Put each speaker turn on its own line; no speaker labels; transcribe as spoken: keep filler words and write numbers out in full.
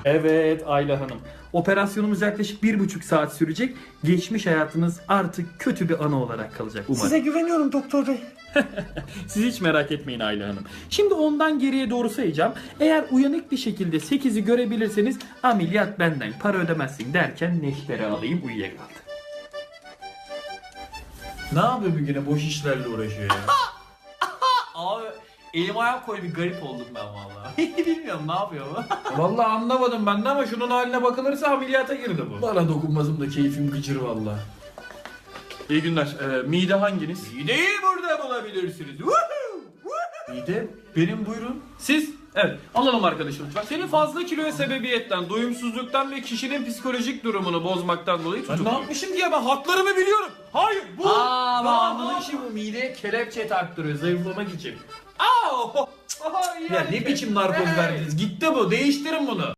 Evet Ayla Hanım. Operasyonumuz yaklaşık bir buçuk saat sürecek. Geçmiş hayatınız artık kötü bir anı olarak kalacak umarım.
Size güveniyorum doktor bey.
Siz hiç merak etmeyin Ayla Hanım. Şimdi ondan geriye doğru sayacağım. Eğer uyanık bir şekilde sekizi görebilirseniz ameliyat benden, para ödemezsin derken neşteri alayım uyuyakaldı. Ne yapıyor bir güne boş işlerle uğraşıyor ya? Abi elim ayağım koy bir garip oldum ben vallahi. Bilmiyorum ne yapıyor bu. Vallahi anlamadım ben de ama şunun haline bakılırsa ameliyata girdi bu. Bana dokunmazım da keyfim gıcır vallahi. İyi günler. Ee, mide hanginiz? Mideyi burada bulabilirsiniz. Mide? Benim buyurun. Siz? Evet. Alalım arkadaşım lütfen. Senin fazla kiloya sebebiyetten, doyumsuzluktan ve kişinin psikolojik durumunu bozmaktan dolayı tutuklu. Ben ne yapmışım diye ben haklarımı biliyorum. Hayır bu. Aa, ben anlamışım bu mideye kelepçe taktırıyor zayıflamak için. Aa! Ya ne biçim narkoz verdiniz? Gitti bu. Değiştirin bunu.